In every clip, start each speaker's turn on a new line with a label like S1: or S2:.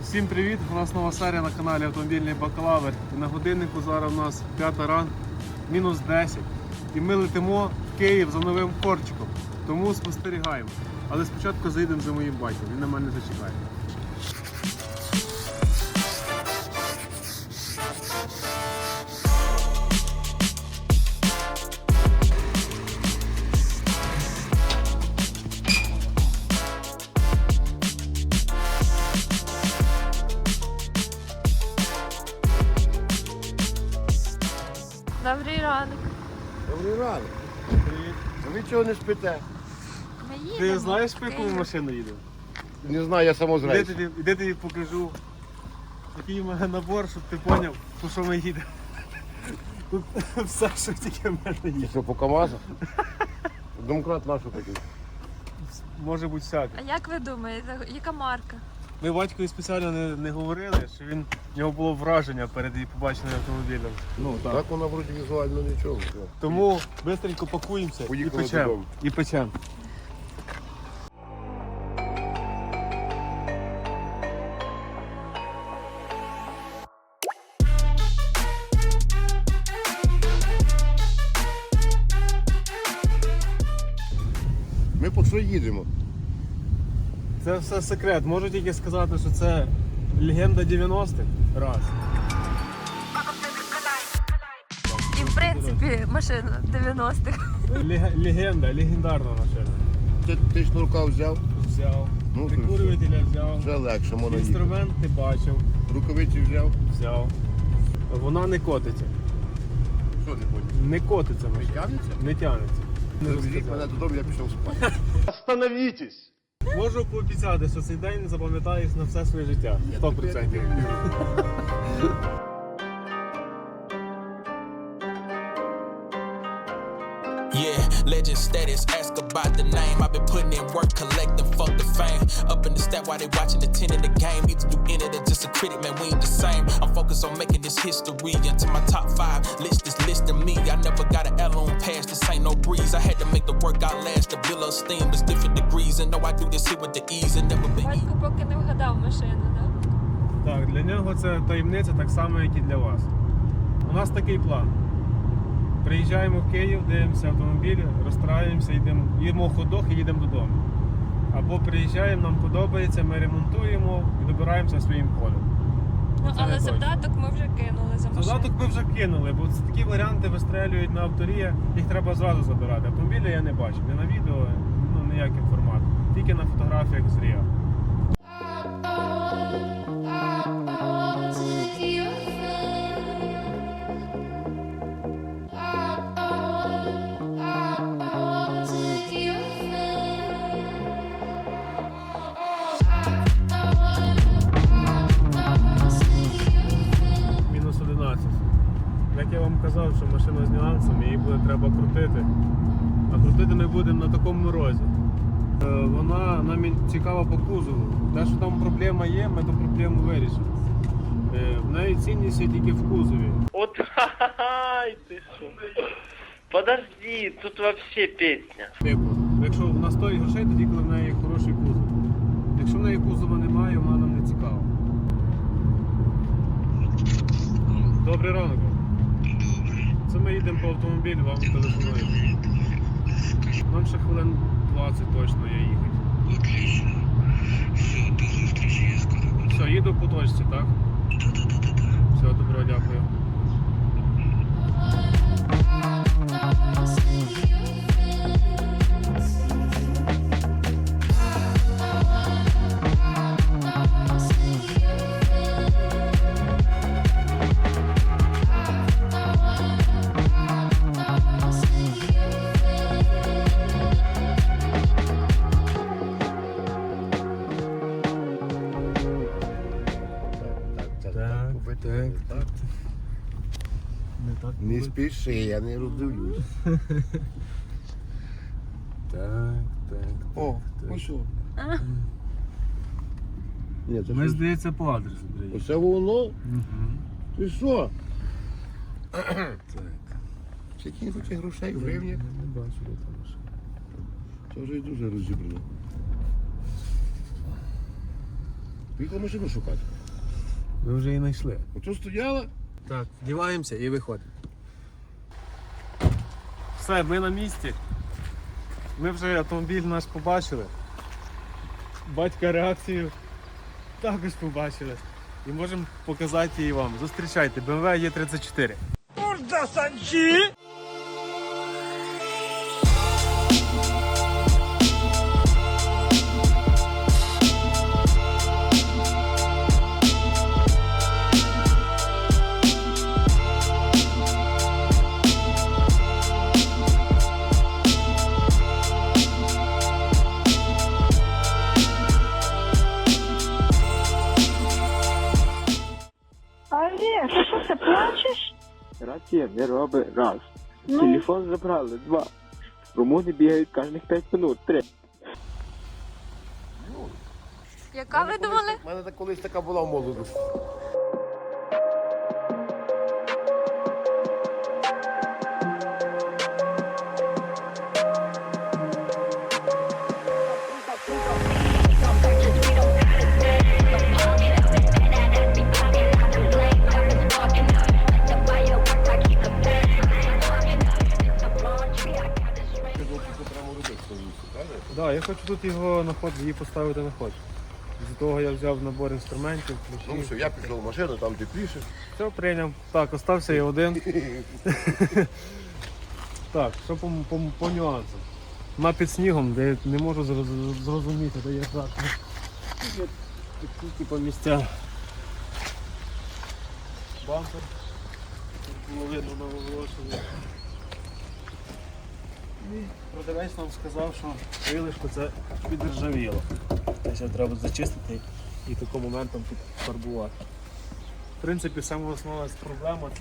S1: Всім привіт! У нас нова серія на каналі Автомобільний Бакалавр. І на годиннику зараз у нас 5 ранку, мінус 10. І ми летимо в Київ за новим корчиком. Тому спостерігаємо. Але спочатку заїдемо за моїм батьком, він на мене зачекає.
S2: Добрий ранок.
S3: Добрий ранок.
S1: Привіт.
S3: А ви чого не спите?
S2: Ми їдемо.
S1: Ти знаєш,
S2: в
S1: по яку
S2: Київ.
S1: машину їдемо?
S3: Не знаю, я самозрейс.
S1: Іди тобі покажу. Який у мене набор, щоб ти зрозумів, по що ми їдемо. Тут все, що тільки в мене є.
S3: Що, по КамАЗу? Домкрат нашу такий.
S1: Може бути всяке.
S2: А як ви думаєте, яка марка?
S1: Ми батькові спеціально не говорили, що в нього було враження перед її побаченим автомобілем. Ну
S3: Так вона вроді візуально нічого.
S1: Тому швидко пакуємося
S3: Поїхали
S1: і печемо.
S3: додому.
S1: І печемо.
S3: Ми по що їдемо?
S1: Це все секрет. Можу тільки сказати, що це легенда 90-х. Раз.
S2: І в принципі машина 90-х.
S1: Легендарна машина.
S3: Ти шнурка взяв,
S1: Взяв.
S3: Ну,
S1: Прикурювателя взяв.
S3: вже легше можна їхати.
S1: Інструмент ти бачив.
S3: Рукавиці
S1: Взяв. Вона не котиться.
S3: Що не поняв?
S1: Не котиться
S3: Не
S1: машина.
S3: тягнеться?
S1: Не тягнеться. Не
S3: Завезіть
S1: розказав.
S3: мене додому, я пішов спати. Остановітесь!
S1: Можу пообіцяти, що цей день запам'ятаєш на все своє життя. 100%.
S4: Yeah, legend status, ask about the name. I've been putting in work, collecting, fuck the fame. Up in the stat while they watching the 10 in the game. Either you in it or just a critic, man, we ain't the same. I'm focused on making this history. Into my top 5 list is listing me. I never got an L on pass, this ain't no breeze. I had to make the workout last, the bill of steam is different degrees. And know I do this here with the ease and never been easy.
S2: Батько поки не вгадав машину, так?
S1: Так, для нього це таємниця так само, як і для вас. У нас такий план. Приїжджаємо в Київ, дивимося автомобілі, розстраюємося, їдемо в ходок і їдемо додому. Або приїжджаємо, нам подобається, ми ремонтуємо і добираємося своїм ходом.
S2: Ну,
S1: Це не
S2: але
S1: точно.
S2: завдаток ми вже кинули за машину.
S1: Задаток ми вже кинули, бо це такі варіанти вистрелюють на авторія, їх треба зразу забирати. Автомобілі я не бачив, ні на відео, ніякий формат. Тільки на фотографіях з Ріа. Мінус 11. Як я вам казав, що машина з нюансами, її буде треба крутити. А крутити ми будемо на такому морозі. Вона нам цікава по кузову. Те, що там проблема є, ми ту проблему вирішимо. В неї цінність є тільки в кузові.
S5: Вот, ай, ты шо. Подожди, тут вообще песня.
S1: Типу, якщо вона стоїть грошей, тоді коли в неї хороший кузов. Якщо в неї кузова немає, вона нам не цікава. Добрий ранок. Це ми їдемо по автомобілю, вам телефонуємо. Нам ще хвилин 20 точно є їхати.
S6: Отлично. Все, до зустрічі, я скоро буду.
S1: Все, їду по точці, так? Все, добро, дякую.
S3: Так.
S1: Не так.
S3: Не спіши, я не роздивлюсь.
S1: Так.
S3: О, ось що. Ні, це
S1: Ми,
S3: що?
S1: здається, по адресу приїхали.
S3: Оце воно? Ти що?
S1: Так.
S3: Скільки не хоче грошей в гривні?
S1: Не бачу, де там машина.
S3: Це вже і дуже розібрано. Поїхав машину шукати.
S1: Ми вже її знайшли.
S3: Ото стояла?
S1: Так, вдіваємося і виходимо. Все, ми на місці. Ми вже автомобіль наш побачили. Батька реакцію також побачили. І можемо показати її вам. Зустрічайте, BMW E34.
S7: Олег, ти що, ти плачеш?
S8: Рація не робить раз. Телефон забрали 2. Румуни бігають кожних 5 минут 3.
S2: Яка ви думали?
S3: У мене колись така була в молодості.
S1: Да, я хочу тут його на ход, її поставити на ход. З того я взяв набор інструментів,
S3: Ну
S1: ключі.
S3: все, я пішов в машину, там тепліше.
S1: Все, прийняв. Так, остався я один. Так, що по нюансам. Вона під снігом, де я не можу зрозуміти, де є так. Такі типу місця. Бампер. Тут було видно на оголошенні. І продавець нам сказав, що крилишко це підржавіло. Тобто треба зачистити і таким моментом підфарбувати. В принципі, саме основна проблема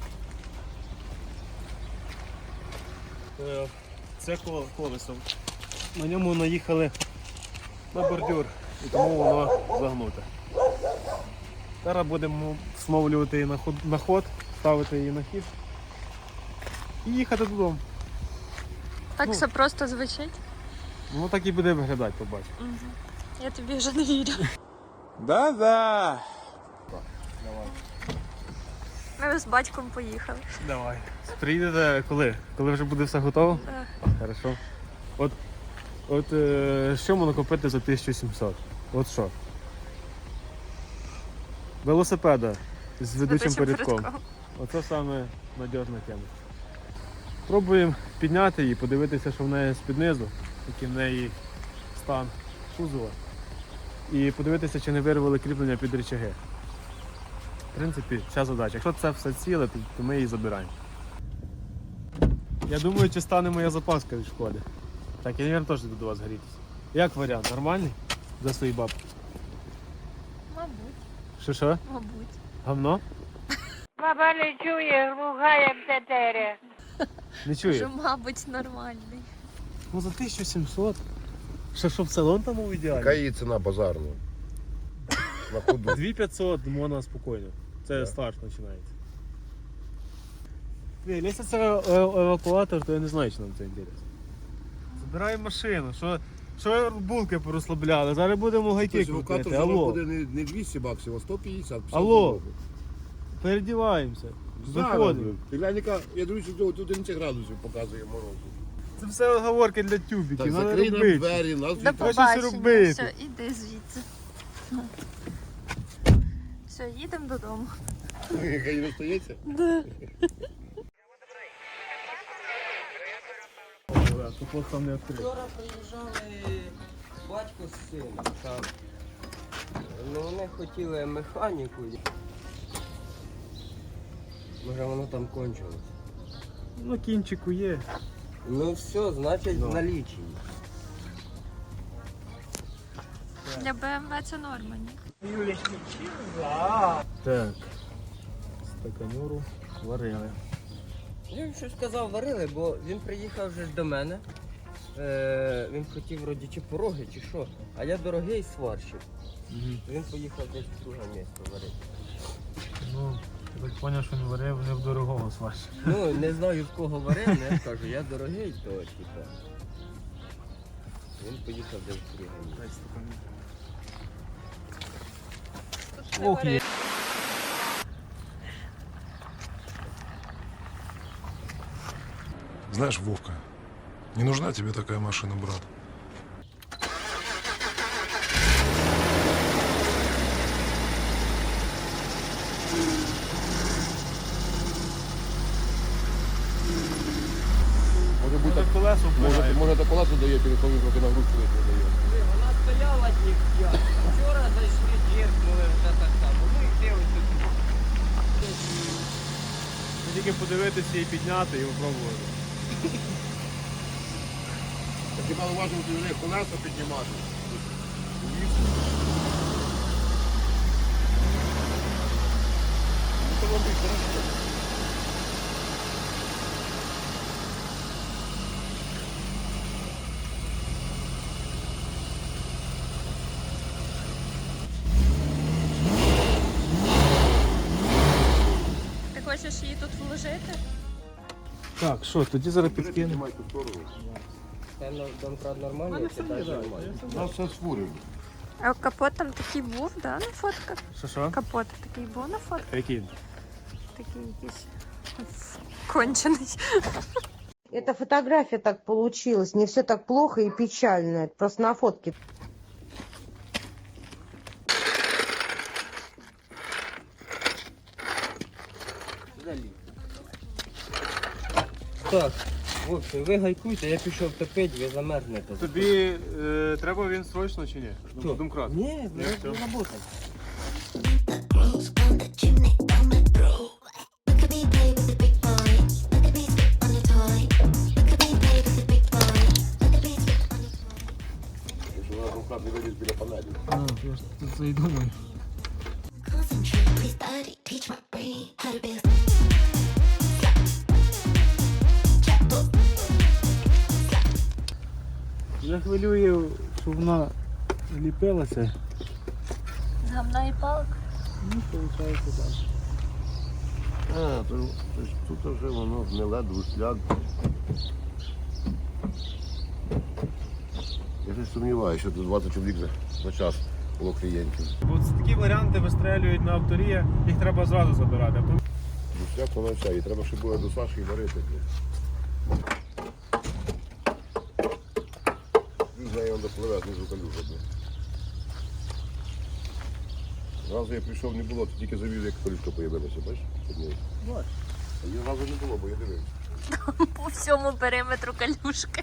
S1: це колесо. На ньому наїхали на бордюр і тому воно загнуте. Зараз будемо встановлювати її на ход, ставити її на хід і їхати додому.
S2: Так
S1: Ну.
S2: все просто звучить.
S1: Воно так і буде виглядати, побачимо.
S2: Я тобі вже не вірю.
S4: Да-да.
S2: Ми з батьком поїхали.
S1: Давай. Приїдете коли? Коли вже буде все готово?
S2: Так.
S1: Хорошо. От що можна купити за 1700? От що? Велосипеда з ведучим передком. Оце саме надіжна тема. Пробуємо підняти її, подивитися, що в неї з-під низу, який в неї стан кузова. І подивитися, чи не вирвали кріплення під рычаги. В принципі, вся задача. Якщо це все ціле, то ми її забираємо. Я думаю, чи стане моя запаска від шкоди. Так, я, мабуть, теж йду до вас грітися. Як варіант? Нормальний? За свої бабки?
S2: Мабуть.
S1: Що?
S2: Мабуть.
S1: Гавно?
S7: Баба не чує, глухає птетері.
S1: Не чує?
S2: Що, мабуть, нормальний.
S1: Ну за 1700. Що, щоб салон там був ідеальний?
S3: Яка її ціна базарна? На ходу.
S1: 2500 можна спокійно. Це старт починається. Якщо це евакуатор, то я не знаю, чи нам це інтересно. Забираємо машину. Що булки порозслабляли? Зараз будемо гайки
S3: Тобто евакуатор
S1: крутити.
S3: зараз
S1: Алло.
S3: буде не 200 баксів, а 150.
S1: Алло. Передіваємося. Виходимо.
S3: Ти глянь, яка, я дивлюся, тут 11 градусів показує морозу.
S1: Це все оговорки для тюбіків.
S3: Так,
S1: Надо
S3: закрий нам
S1: робити.
S3: двері, нас
S2: До
S3: вітає.
S1: щось
S2: побачення.
S1: робити.
S2: Все, іди звідси. Все, їдемо додому.
S3: Хай не стається.
S1: Купок там не відкрив.
S9: Вчора приїжджали батько з сином. Так. Ну вони хотіли механіку. Може воно там кончилось.
S1: Ну, кінчику є.
S9: Ну все, значить в налічі.
S2: Для БМВ це норма, ні?
S1: Так. Стаканюру варили.
S9: Я їм щось сказав, варили, бо він приїхав вже ж до мене. Він хотів вроді чи пороги, чи що. А я дорогий сварщик. Він поїхав десь в друге місто варити.
S1: Ну, я так зрозумів, що він варив не в дорогого сварщика.
S9: Ну, не знаю в кого варив, але я кажу, я дорогий, то типа. Він поїхав десь в друге місто.
S1: Ох, є.
S10: Знаешь, Вовка, не нужна тебе такая машина, брат.
S3: Може бути,
S1: колесо
S3: може та колесо дає, коли він трохи нагрузку не дає.
S9: Вона стояла ніхто. Вчора зайшли, діркнули, вже так само. Ну і де ось тут.
S1: Тільки подивитися і підняти, і попробувати.
S3: Так хіба уважно ти колеса піднімати? Ну, то робить хорошо.
S2: Ти хочеш її тут вложити?
S1: Так, що, тоді зараз підкинемо.
S3: Піднімай ту сторону.
S9: Це домкрат нормальний, це теж нормально.
S3: У нас все сфурено.
S2: А капот там такий був, да, на фотках?
S1: Що?
S2: Капот такий був на фотках?
S1: Який?
S2: Такий якийсь кончений.
S7: Это фотография так получилась. Не все так плохо и печально. Просто на фотке.
S9: Так, в общем, ви гайкуйте, я пішов топити, ви замерзнете.
S1: Тобі треба він срочно чи ні?
S9: Хто?
S1: Домкрат.
S9: Ні,
S1: Ні,
S9: не
S1: все.
S9: работать.
S3: Якщо вона домкрат не виліз біля панелі.
S1: А, я ж тут це і думаю. Я хвилюю, щоб вона ліпилася.
S2: З гамна і палок.
S1: Ну, виходить так.
S3: А, то тут вже воно гниле, друсляк. Я ж сумніваюся, що тут 20 чоловік за час було клієнтів.
S1: От такі варіанти вистрелюють на авторія, їх треба зразу забирати. А то
S3: Друсляк воно все, і треба, щоб було до Саші і варити. Він з нею допливе, знизу калюжа. Зразу я прийшов, не було, тільки завів, як колючка появилася, бачиш?
S1: Бачу.
S3: А її зразу не було, бо я дивився.
S2: По всьому периметру калюшки.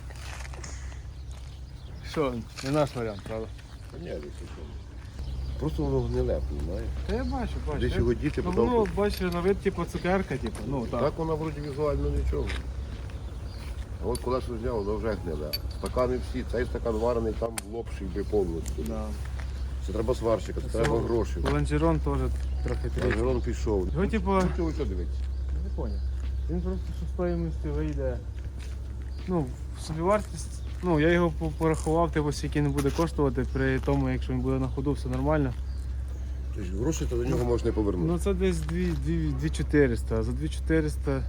S1: Що, не наш варіант, правда?
S3: Та ні, десь що. Просто воно гниле, розумієш?
S1: Та я бачу.
S3: Десь його діти
S1: Ну,
S3: потім.
S1: воно, бачиш, на вид, типу, цукерка, типу, ну, так.
S3: Так вона вроді візуально нічого. А от колесо зняв, воно вже гниле. Стакани всі, цей стакан варений, там лопший би повністю.
S1: Да.
S3: Це треба сварщика, це треба гроші.
S1: Лонжерон теж трохи трішки.
S3: Лонжерон пішов.
S1: Його, типу,
S3: Чого що дивиться?
S1: не поняв. Він просто що стоїмості вийде. Ну, собівартість, ну, я його порахував, типу, скільки не буде коштувати при тому, якщо він буде на ходу, все нормально.
S3: Тобто гроші то до нього можна не повернути.
S1: Ну, це десь 2400, а за 2400...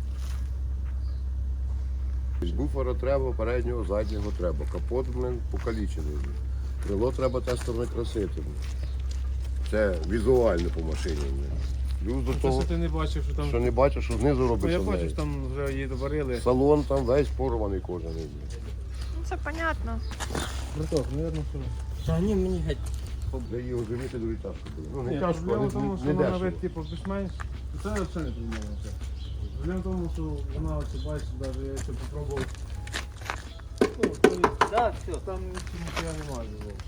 S3: Буфера треба, переднього, заднього треба. Капот покалічений. Крило треба те сторони красити. Це візуально по машині. Плюс до
S1: Це,
S3: того,
S1: що ти не бачив, що там...
S3: що не бачиш, що знизу
S1: Ну,
S3: робиться.
S1: я
S3: в
S1: бачу,
S3: неї.
S1: що там вже її доварили.
S3: Салон там весь порваний кожен.
S2: Ну, це понятно.
S1: Браток, мабуть, що...
S9: Та ні, мені геть.
S3: Для її оживити дуже тяжко було. Ну, не
S1: Ні,
S3: тяжко,
S1: проблема
S3: але
S1: в тому,
S3: не
S1: що вона на
S3: дешево.
S1: вид, типу, більш-менш. Це взагалі не проблема. Це. Проблема в тому, що вона, оце, бачиш, навіть я ще попробував. Ну, то є,
S9: Так, все.
S1: там нічого немає.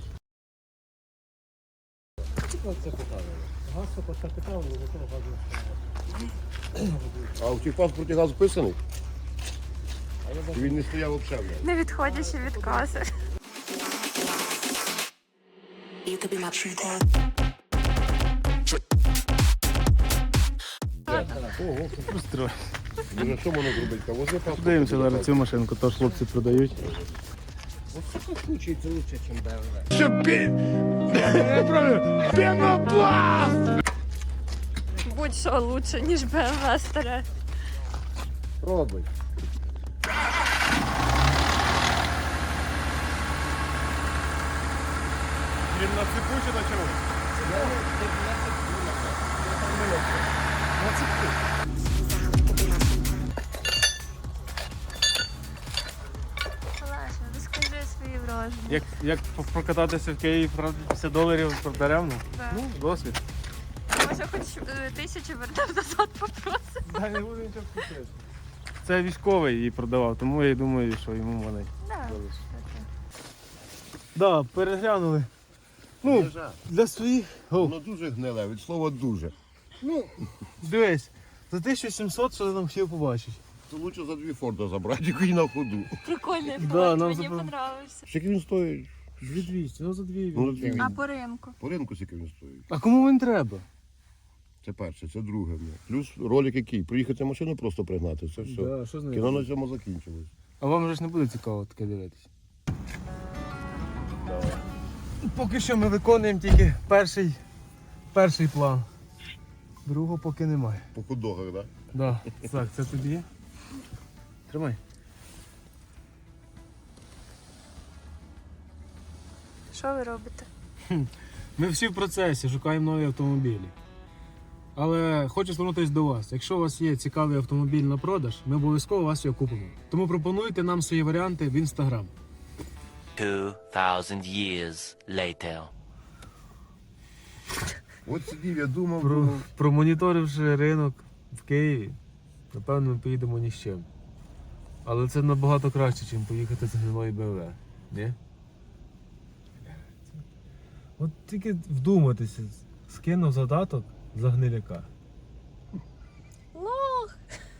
S9: Це показано.
S1: Газ це питав, але зато газ не стояв.
S3: А у тих паспорті газ вписаний? Чи він не стояв взагалі?
S2: Не відходячи від каси.
S1: Ого, пристрой.
S3: Дуже що можна зробити? Та возьми паспорт.
S1: Подивимося зараз цю машинку, теж хлопці продають.
S9: Ось в такому случае це лучше, ніж BMW.
S2: Будь-що лучше, ніж BMW старе.
S3: Пробуй.
S1: Він на цепу чи на чому? На цепу.
S2: можна.
S1: Як прокататися в Києві, правда, $50 даремно?
S2: Да.
S1: Ну, досвід.
S2: Може хоч 1000 вернемо назад попросимо.
S1: Да, не буду нічого крутити. Це військовий її продавав, тому я думаю, що йому вони.
S2: Да.
S1: Да, переглянули. Ну, для своїх.
S3: Воно дуже гниле, від слова дуже.
S1: Ну, дивись, за 1700 що ти там хотів побачити.
S3: То лучше за 2 Форда забрати, який на ходу.
S2: Прикольний
S1: Да,
S2: план,
S1: нам
S2: мені
S1: запро-
S2: понравився.
S3: Скільки він стоїть?
S1: 2200, ну за 2
S3: Ну, за 2.
S2: А по ринку?
S3: По ринку скільки він стоїть.
S1: А кому він треба?
S3: Це перше, це друге. Плюс ролик який? Приїхати машину просто пригнати, це все.
S1: Да, що з нею
S3: Кіно
S1: робити?
S3: на цьому закінчилось.
S1: А вам же ж не буде цікаво таке дивитися. Поки що ми виконуємо тільки перший план. Другого поки немає.
S3: По худогах, так?
S1: Да. Так, це тобі. Тримай.
S2: Що ви робите?
S1: Ми всі в процесі, шукаємо нові автомобілі. Але хочу звернутися до вас. Якщо у вас є цікавий автомобіль на продаж, ми обов'язково вас його купимо. Тому пропонуйте нам свої варіанти в Instagram.
S11: 2000 years later.
S3: От сидів, я думав,
S1: Промоніторивши ринок в Києві, напевно, ми поїдемо ні з чим. Але це набагато краще, ніж поїхати з гнилої БМВ. Ні? От тільки вдуматися, скинув задаток за гниляка.
S2: Лох!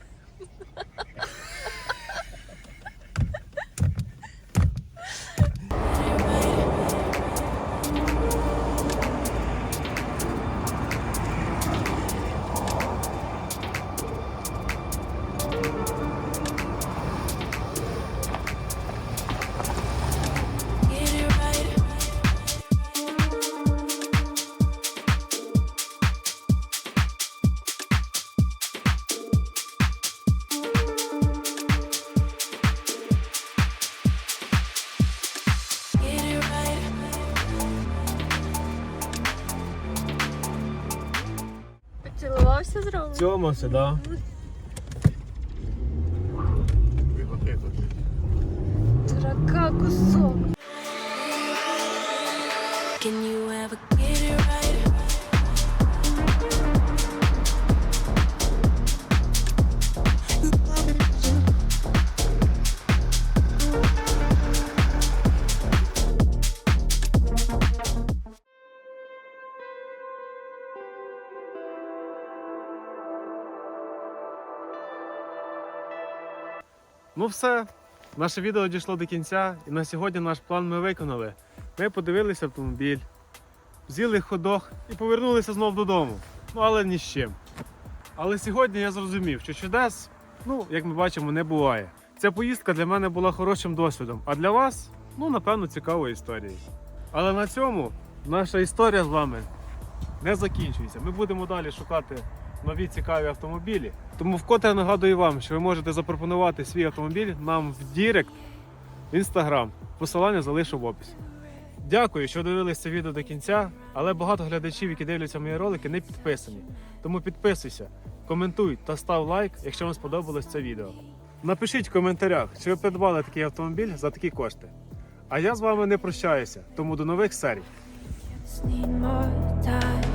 S2: Поцілувався з Ромою?
S1: Цьомався, да.
S2: Дурака кусок.
S11: Can you ever get it right?
S1: Ну все, наше відео дійшло до кінця, і на сьогодні наш план ми виконали. Ми подивилися автомобіль, взяли ходох і повернулися знов додому. Ну, але ні з чим. Але сьогодні я зрозумів, що чудес, ну, як ми бачимо, не буває. Ця поїздка для мене була хорошим досвідом, а для вас, ну, напевно, цікавою історією. Але на цьому наша історія з вами не закінчується. Ми будемо далі шукати нові цікаві автомобілі. Тому вкотре нагадую вам, що ви можете запропонувати свій автомобіль нам в Дірект, в Instagram. Посилання залишу в описі. Дякую, що дивилися це відео до кінця, але багато глядачів, які дивляться мої ролики, не підписані. Тому підписуйся, коментуй та став лайк, якщо вам сподобалось це відео. Напишіть в коментарях, чи ви придбали такий автомобіль за такі кошти. А я з вами не прощаюся, тому до нових серій.
S11: Need more time.